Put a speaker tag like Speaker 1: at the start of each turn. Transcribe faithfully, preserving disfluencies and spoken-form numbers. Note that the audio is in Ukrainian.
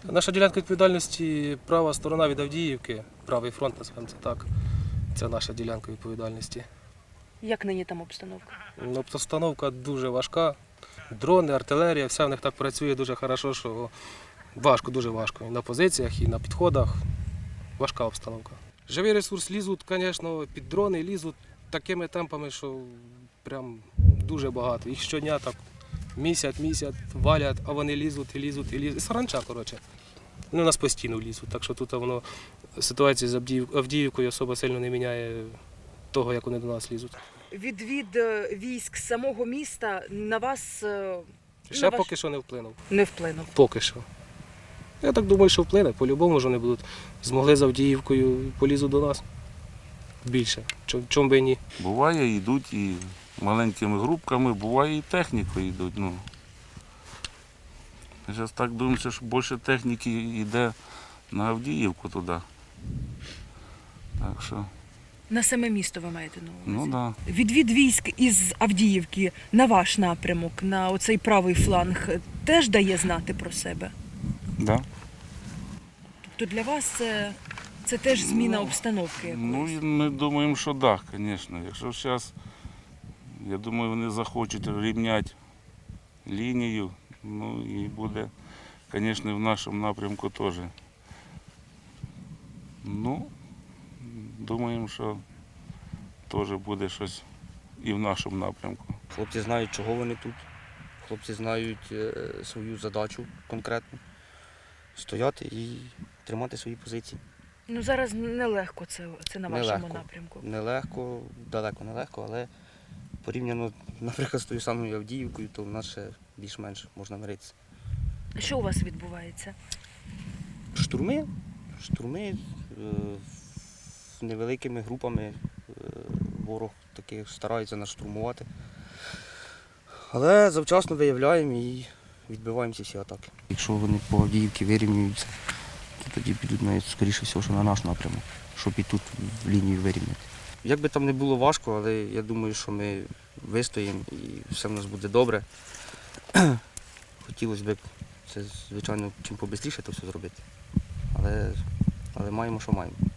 Speaker 1: Наша ділянка відповідальності права сторона від Авдіївки, правий фронт, називаємо це так. Це наша ділянка відповідальності.
Speaker 2: Як нині там обстановка?
Speaker 1: Ну, обстановка дуже важка. Дрони, артилерія, все в них так працює дуже добре, що важко, дуже важко. І на позиціях, і на підходах. Важка обстановка. Живий ресурс лізуть, звісно, під дрони лізуть такими темпами, що прям дуже багато. Їх щодня так місяць, місяць валять, а вони лізуть і лізуть і лізуть. І саранча, коротше. Вони у нас постійно лізуть, так що тут воно ситуація з Авдіїв- Авдіївкою особо сильно не міняє того, як вони до нас лізуть.
Speaker 2: Відвід е, військ з самого міста на вас е,
Speaker 1: Ще
Speaker 2: на ваш-
Speaker 1: поки що не вплинув.
Speaker 2: не вплинув.
Speaker 1: Поки що. Я так думаю, що вплине. По-любому ж вони будуть. Змогли з Авдіївкою, полізуть до нас. Більше. Чом, чом би і ні.
Speaker 3: Буває, йдуть і маленькими групками, буває і технікою йдуть. Ну. Я зараз так думаю, що більше техніки йде на Авдіївку туди. Так що,
Speaker 2: На саме місто ви маєте на увазі?
Speaker 3: ну так. Да.
Speaker 2: Відвід військ із Авдіївки на ваш напрямок, на оцей правий фланг, теж дає знати про себе?
Speaker 3: Да.
Speaker 2: Тобто для вас це, це теж зміна
Speaker 3: Ну,
Speaker 2: обстановки
Speaker 3: Ну,
Speaker 2: якоїсь?
Speaker 3: і ми думаємо, що так, да, звісно. Якщо зараз, я думаю, вони захочуть рівняти лінію, ну і буде, звісно, в нашому напрямку теж. Ну, думаємо, що теж буде щось і в нашому напрямку.
Speaker 4: Хлопці знають, чого вони тут. Хлопці знають е, свою задачу конкретну. Стояти і тримати свої позиції.
Speaker 2: Ну зараз нелегко це, це на вашому
Speaker 4: Нелегко.
Speaker 2: напрямку.
Speaker 4: Нелегко, далеко нелегко, але порівняно, наприклад, з тою самою Авдіївкою, то в нас ще більш-менш можна миритися.
Speaker 2: Що у вас відбувається?
Speaker 4: Штурми, штурми е, невеликими групами е, ворог таких старається нас штурмувати. Але завчасно виявляємо і відбиваємо ці всі атаки. Якщо вони по Авдіївці вирівнюються, то тоді підуть навіть, скоріше всього, що на наш напрямок, щоб і тут в лінію вирівняти. Як би там не було важко, але я думаю, що ми вистоїмо і все в нас буде добре. Хотілося б це, звичайно, чим побистріше то все зробити. Але, але маємо, що маємо.